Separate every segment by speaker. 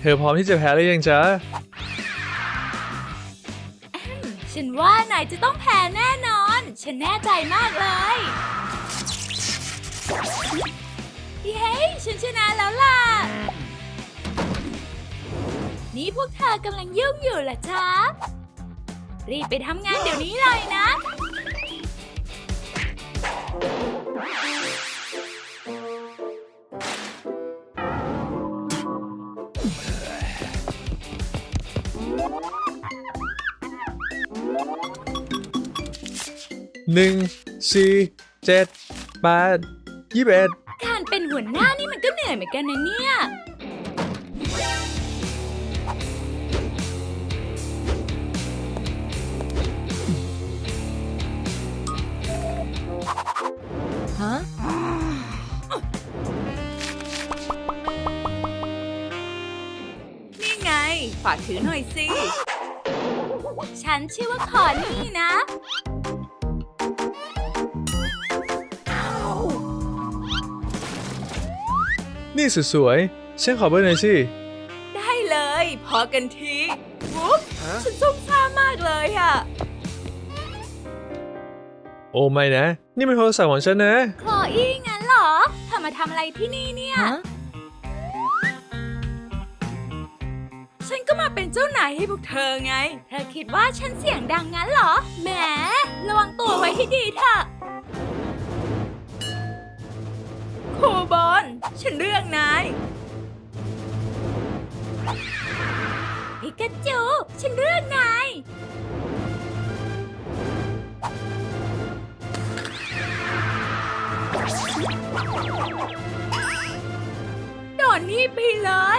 Speaker 1: ธอพร้อมที่จะแพ้หรือยังจ๊ะ
Speaker 2: ฉันว่านายจะต้องแพ้แน่นอน ฉันแน่ใจมากเลยเย้ฉันชนะแล้วล่ะ นี่พวกเธอกำลังยุ่งอยู่เหรอจ๊ะ รีบไปทำงานเดี๋ยวนี้เลยนะ
Speaker 1: 1 4 7 8 21
Speaker 2: การเป็นหัวหน้านี่มันก็เหนื่อยเหมือนกันนะเนี่ย ฮะ นี่ไง ฝากถือหน่อยสิ ฉันชื่อว่าคอนี่นะ
Speaker 1: นี่สุดสวยฉันขอเบอร์หน่อยสิ
Speaker 2: ได้เลย พอกันทีวุ๊บฉันซุ่มซ่ามมากเลยอะ
Speaker 1: โอ้ไม่นะ นี่เป็นโทรศัพท์ของฉันนะ
Speaker 2: คลออี้งั้นเหรอเธอมาทำอะไรที่นี่เนี่ย ฉันก็มาเป็นเจ้านายให้พวกเธอไง เธอคิดว่าฉันเสียงดังงั้นเหรอ แหม ระวังตัวไว้ให้ดีเถอะโคบอลฉันเลือกนายพิกาจูฉันเลือกนายโดนนี่ไปเลย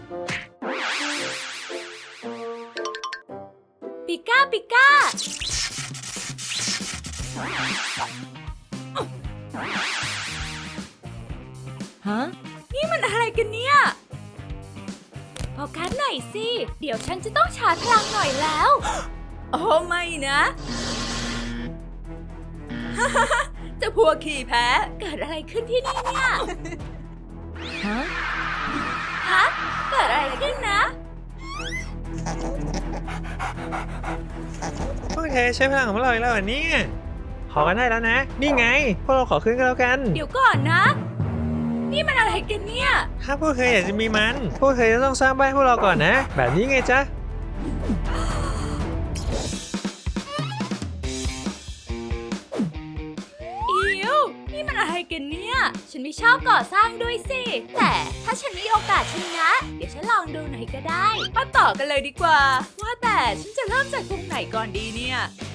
Speaker 2: ปิก้าปิก้าฮะนี่มันอะไรกันเนี่ยโฟกัสหน่อยสิ เดี๋ยวฉันจะต้องชาร์จพลังหน่อยแล้ว โอ้ไม่นะ จะพวกขี่แพ้เกิดอะไรขึ้นที่นี่เนี่ย ฮะ เกิดอะไรขึ้นนะ
Speaker 1: พวกเธอใช้พลังของเราอีกแล้วเหรอเนี่ยขอกันได้แล้วนะ นี่ไง พวกเราขอขึ้นกันแล้วกัน
Speaker 2: เดี๋ยวก่อนนะ นี่มันอะไรกันเนี่ย
Speaker 1: ถ้าพวกเธออยากจะมีมัน พวกเธอจะต้องสร้างบ้านให้พวกเราก่อนนะ แบบนี้ไงจ๊ะ
Speaker 2: อิวนี่มันอะไรกันเนี่ย ฉันไม่ชอบก่อสร้างด้วยสิ แต่ถ้าฉันมีโอกาสชนะ เดี๋ยวฉันลองดูหน่อยก็ได้ มาต่อกันเลยดีกว่า ว่าแต่ฉันจะเริ่มจากตรงไหนก่อนดีเนี่ย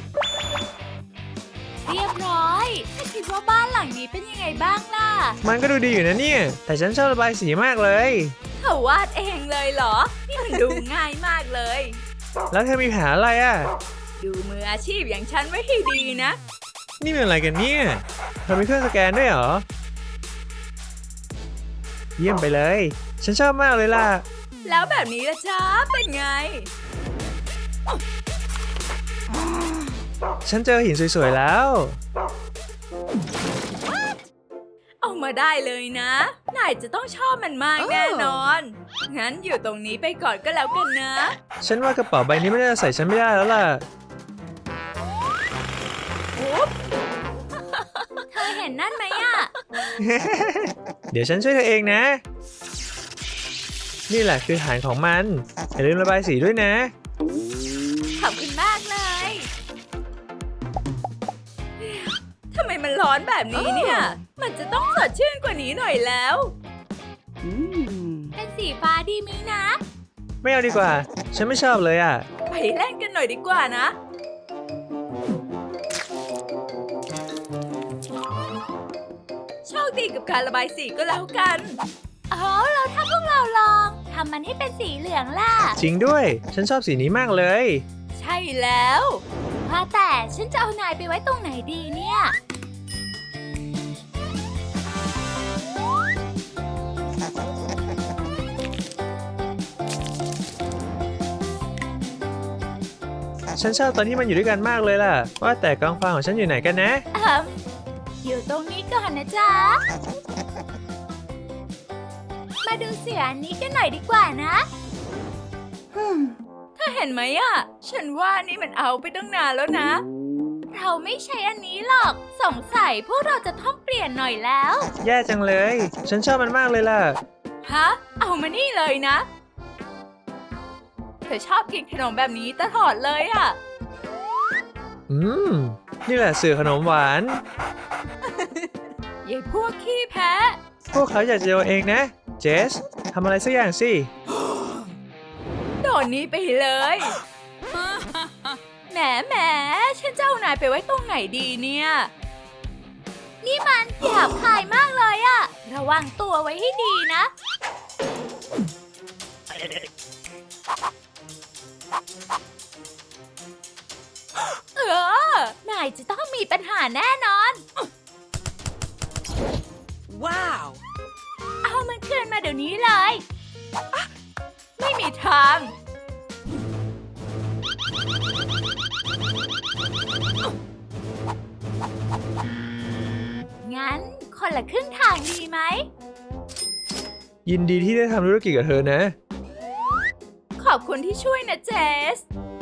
Speaker 2: เรียบร้อยถ้าคิดว่าบ้านหลังนี้เป็นยังไงบ้างล่ะ
Speaker 1: มันก็ดูดีอยู่นะเนี่ย แต่ฉันชอบระบายสีมากเลย
Speaker 2: เธอวาดเองเลยเหรอ นี่มันดูง่ายมากเลย
Speaker 1: แล้วเธอมีแผนอะไรอ่ะ
Speaker 2: ดูมืออาชีพอย่างฉันไว้ให้ดีนะ
Speaker 1: นี่เป็นอะไรกันเนี่ยเธอมีเครื่องสแกนด้วยเหรอ เยี่ยมไปเลย ฉันชอบมากเลยล่ะ
Speaker 2: แล้วแบบนี้ละจ๊ะ เป็นไง
Speaker 1: ฉันเจอหินสวยๆแล้ว
Speaker 2: เอามาได้เลยนะ นายจะต้องชอบมันมากแน่นอน งั้นอยู่ตรงนี้ไปก่อนก็แล้วกันนะ
Speaker 1: ฉันว่ากระเป๋าใบนี้ไม่น่าจะใส่ฉันไม่ได้แล้วล่ะ
Speaker 2: อุ๊บ เธอเห็นนั่นไหมอะ
Speaker 1: เดี๋ยวฉันช่วยเธอเองนะ นี่แหละคือฐานของมัน อย่าลืมระบายสีด้วยนะ
Speaker 2: ขอบคุณมากเลย ทำไมมันร้อนแบบนี้เนี่ย มันจะต้องสดชื่นกว่านี้หน่อยแล้ว เป็นสีฟ้าดีไหมนะ
Speaker 1: ไม่เอาดีกว่า ฉันไม่ชอบเลยอ่ะ
Speaker 2: ไปเล่นกันหน่อยดีกว่านะ โชคดีกับการระบายสีก็แล้วกันแล้วถ้าพวกเราลองทำมันให้เป็นสีเหลืองล่ะ
Speaker 1: จริงด้วย ฉันชอบสีนี้มากเลย
Speaker 2: ใช่แล้วว่าแต่ฉันจะเอานายไปไว้ตรงไหนดีเนี่ย
Speaker 1: ฉันชอบตอนที่มันอยู่ด้วยกันมากเลยล่ะ ว่าแต่กองฟางของฉันอยู่ไหนกันนะ
Speaker 2: อยู่ตรงนี้ก่อนนะจ๊ะ มาดูเสืออันนี้กันหน่อยดีกว่านะเธอเห็นไหมอะฉันว่านี่มันเอาไปตั้งนานแล้วนะ เราไม่ใช้อันนี้หรอก สงสัยพวกเราจะต้องเปลี่ยนหน่อยแล้ว
Speaker 1: แย่จังเลย ฉันชอบมันมากเลยล่ะ
Speaker 2: ฮะ เอามานี่เลยนะ เธอชอบกินขนมแบบนี้ตลอดเลยอะ
Speaker 1: นี่แหละสื่อขนมหวาน
Speaker 2: ยายพวกขี้แพ้
Speaker 1: พวกเขาอยากจะโยนเองนะ เจสทำอะไรสักอย่างสิ
Speaker 2: โดนนี้ไปเลย แหมฉันจะเอานายไปไว้ตรงไหนดีเนี่ย นี่มันหยาบคายมากเลยอะระวังตัวไว้ให้ดีนะ นายจะต้องมีปัญหาแน่นอน
Speaker 3: ว้าว
Speaker 2: เอามันคืนมาเดี๋ยวนี้เลย ไม่มีทาง งั้นคนละครึ่งทางดีไหม
Speaker 1: ยินดีที่ได้ทำธุรกิจกับเธอนะ
Speaker 2: ขอบคุณที่ช่วยนะเจส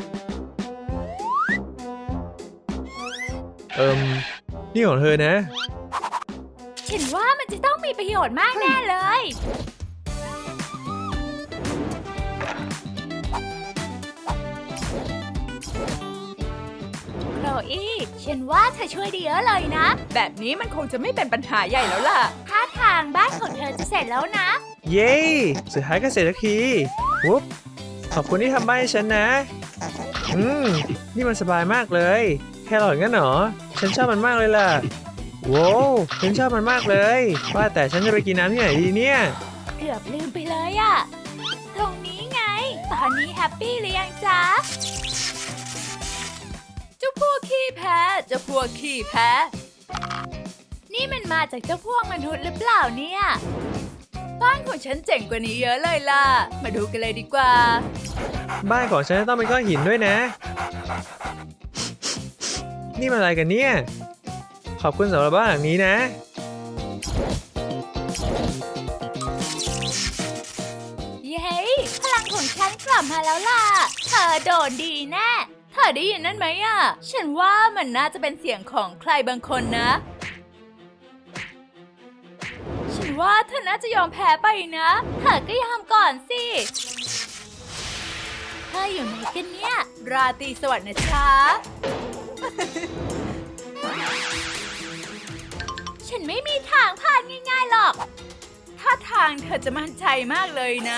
Speaker 1: นี่ของเธอนะ
Speaker 2: ฉันว่ามันจะต้องมีประโยชน์มากแน่เลย โคลอี้ ฉันว่าเธอช่วยได้เยอะเลยนะ แบบนี้มันคงจะไม่เป็นปัญหาใหญ่แล้วล่ะท่าทางบ้านของเธอจะเสร็จแล้วนะ
Speaker 1: เย้ สุดท้ายก็เสร็จสักทีวุ๊บขอบคุณที่ทำบ้านให้ฉันนะ นี่มันสบายมากเลย แค่หลอดงั้นเหรอ ฉันชอบมันมากเลยล่ะ โว้วฉันชอบมันมากเลย ว่าแต่ฉันจะไปกินน้ำที่ไหนดีเนี่ย
Speaker 2: เกือบลืมไปเลยอะตรงนี้ไง ตอนนี้แฮปปี้หรือยังจ๊ะ เจ้าพวกขี้แพ้ เจ้าพวกขี้แพ้ นี่มันมาจากเจ้าพวกมนุษย์หรือเปล่าเนี่ย บ้านของฉันเจ๋งกว่านี้เยอะเลยล่ะ มาดูกันเลยดีกว่า
Speaker 1: บ้านของฉันจะต้องเป็นก้อนหินด้วยนะ นี่มันอะไรกันเนี่ย ขอบคุณสำหรับบ้านหลังนี้นะ
Speaker 2: เย้พลังของฉันกลับมาแล้วล่ะ เธอโดนดีแน่ เธอได้ยินนั่นไหมอ่ะ ฉันว่ามันน่าจะเป็นเสียงของใครบางคนนะ ฉันว่าเธอน่าจะยอมแพ้ไปนะ เธอก็ยอมก่อนสิ เธออยู่ไหนกันเนี่ย ราตรีสวัสดิ์นะจ๊ะ ฉันไม่มีทางผ่านง่ายๆหรอก ถ้าทางเธอจะมั่นใจมากเลยนะ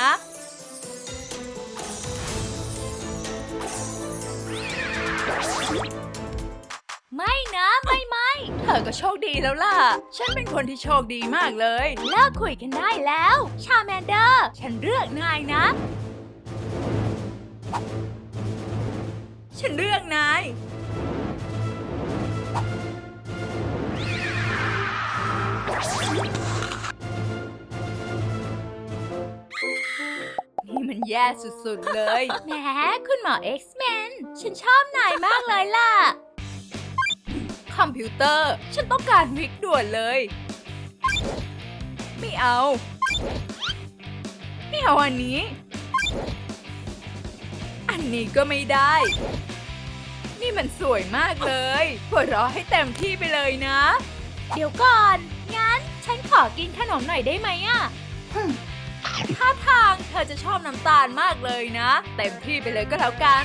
Speaker 2: ไม่นะไม่เธอก็โชคดีแล้วล่ะ ฉันเป็นคนที่โชคดีมากเลย เลิกคุยกันได้แล้ว ชาแมนเดอร์ ฉันเลือกนายนะ ฉันเลือกนาย นี่มันแย่สุดๆเลย แหมคุณหมอ X-Men ฉันชอบนายมากเลยล่ะ คอมพิวเตอร์ ฉันต้องการวิกด่วนเลย ไม่เอา ไม่เอาอันนี้ อันนี้ก็ไม่ได้ นี่มันสวยมากเลยหัวเราะให้เต็มที่ไปเลยนะ เดี๋ยวก่อน งั้นฉันขอกินขนมหน่อยได้ไหมอะท่าทางเธอจะชอบน้ำตาลมากเลยนะ เต็มที่ไปเลยก็แล้วกัน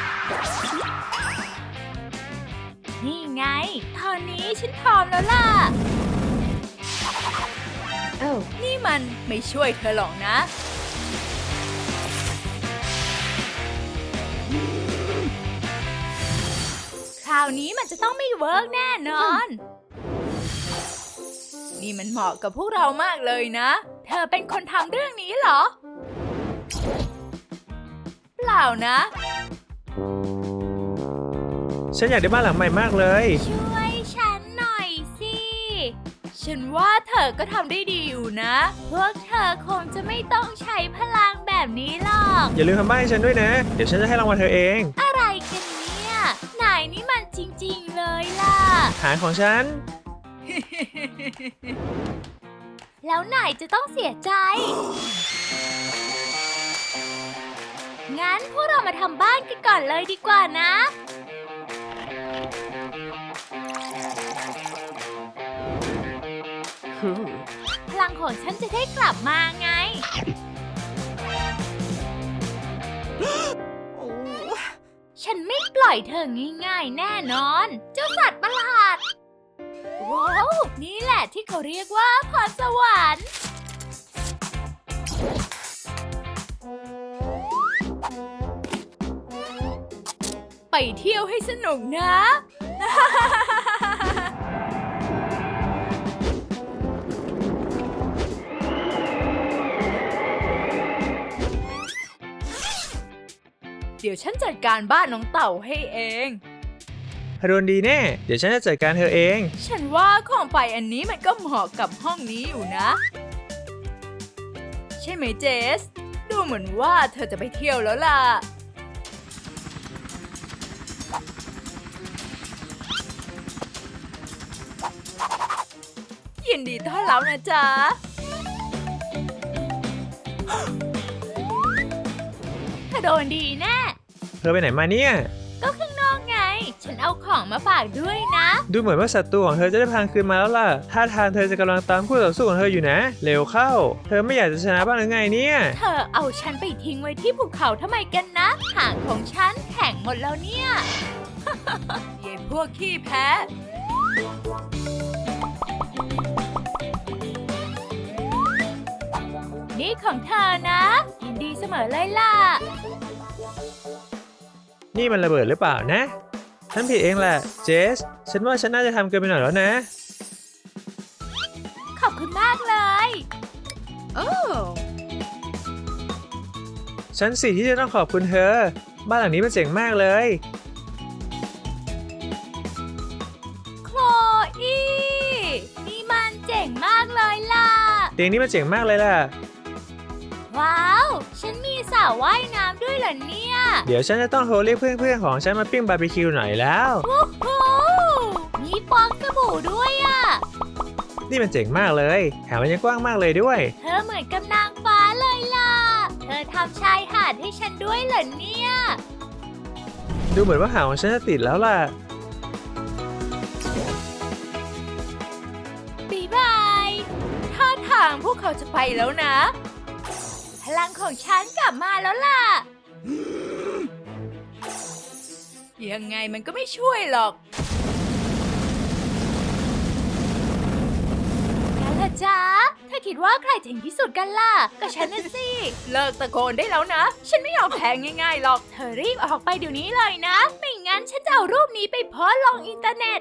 Speaker 2: นี่ไง ตอนนี้ฉันพร้อมแล้วล่ะ นี่มันไม่ช่วยเธอหรอกนะ คราวนี้มันจะต้องไม่เวิร์กแน่นอน นี่มันเหมาะกับพวกเรามากเลยนะ เธอเป็นคนทำเรื่องนี้เหรอ เปล่านะ
Speaker 1: ฉันอยากได้บ้านหลังใหม่มากเลย
Speaker 2: ช่วยฉันหน่อยสิ ฉันว่าเธอก็ทำได้ดีอยู่นะ พวกเธอคงจะไม่ต้องใช้พลังแบบนี้หรอก
Speaker 1: อย่าลืมทำบ้านให้ฉันด้วยนะ เดี๋ยวฉันจะให้รางวัลเธอเอง
Speaker 2: อะไรกันเนี่ยนายนี่มันจริงๆเลยล่ะ
Speaker 1: ฐานของฉัน
Speaker 2: แล้วนายจะต้องเสียใจ นงั้นพวกเรามาทำบ้านกันก่อนเลยดีกว่านะ พลังของฉันจะได้กลับมาไง ฉันไม่ปล่อยเธอง่ายๆแน่นอน เจ้าสัตว์ประหลาด ว้าว นี่แหละที่เขาเรียกว่าพรสวรรค์ ไปเที่ยวให้สนุกนะ เดี๋ยวฉันจัดการบ้านน้องเต่าให้เอง
Speaker 1: เธอโดนดีแน่ เดี๋ยวฉันจะจัดการเธอเอง
Speaker 2: ฉันว่าของไฟอันนี้มันก็เหมาะกับห้องนี้อยู่นะ ใช่ไหมเจส ดูเหมือนว่าเธอจะไปเที่ยวแล้วล่ะ ยินดีต้อนรับนะจ๊ะ เธอโดนดีแน่
Speaker 1: เธอไปไหนมาเนี่ย
Speaker 2: ก็ข้างนอกไง ฉันเอาของมาฝากด้วยนะ
Speaker 1: ดูเหมือนว่าศัตรูของเธอจะได้พลังคืนมาแล้วล่ะท่าทางเธอจะกำลังตามคู่ต่อสู้ของเธออยู่นะ เร็วเข้า เธอไม่อยากจะชนะบ้างหรือไงเนี่ย
Speaker 2: เธอเอาฉันไปทิ้งไว้ที่ภูเขาทำไมกันนะ หางของฉันแข็งหมดแล้วเนี่ย เย่พวกขี้แพ้ นี่ของเธอนะ ยินดีเสมอเลยล่ะ
Speaker 1: นี่มันระเบิดหรือเปล่านะ ฉันผิดเองแหละ เจส ฉันว่าฉันน่าจะทำเกินไปหน่อยแล้วนะ
Speaker 2: ขอบคุณมากเลย โอ้
Speaker 1: ฉันสิที่จะต้องขอบคุณเธอ บ้านหลังนี้มันเจ๋งมากเลย
Speaker 2: โคลอีนี่มันเจ๋งมากเลยล่ะ
Speaker 1: เตียงนี้มันเจ๋งมากเลยล่ะ
Speaker 2: ว้าว ฉันมีสระว่ายน้ำด้วยเหรอเนี่ย
Speaker 1: เดี๋ยวฉันจะต้องโทรเรียกเพื่อนๆของฉันมาปิ้งบาร์บีคิวหน่อยแล้ว
Speaker 2: โอ้โหมีฟองสบู่ด้วยอ่ะ
Speaker 1: นี่มันเจ๋งมากเลย แถมมันยังกว้างมากเลยด้วย
Speaker 2: เธอเหมือนกับนางฟ้าเลยล่ะ เธอทำชายหาดให้ฉันด้วยเหรอเนี่ย
Speaker 1: ดูเหมือนว่าหางของฉันจะติดแล้วล่ะ
Speaker 2: บ๊ายบายท่าทางพวกเขาจะไปแล้วนะ พลังของฉันกลับมาแล้วล่ะ ยังไงมันก็ไม่ช่วยหรอกกันล่ะจ๊ะเธอคิดว่าใครเจ๋งที่สุดกันล่ะ ก็ฉันน่ะสิ เลิกตะโกนได้แล้วนะ ฉันไม่ยอมแพ้ง่ายๆหรอก เธอรีบออกไปเดี๋ยวนี้เลยนะ ไม่งั้นฉันจะเอารูปนี้ไปโพสต์ลงอินเทอร์เน็ต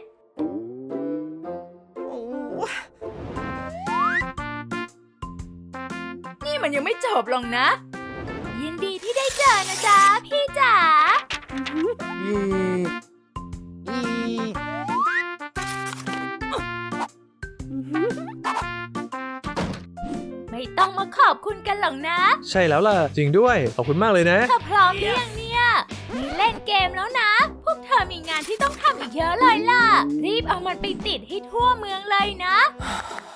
Speaker 2: นี่มันยังไม่จบลงนะ ยินดีที่ได้เจอนะจ๊ะ พี่จ๋า ไม่ต้องมาขอบคุณกันหรอกนะ
Speaker 1: ใช่แล้วล่ะ จริงด้วย ขอบคุณมากเลยนะ
Speaker 2: เธอพร้อมหรือยังเนี่ย มีเล่นเกมแล้วนะ พวกเธอมีงานที่ต้องทำอีกเยอะเลยล่ะ รีบเอามันไปติดให้ทั่วเมืองเลยนะ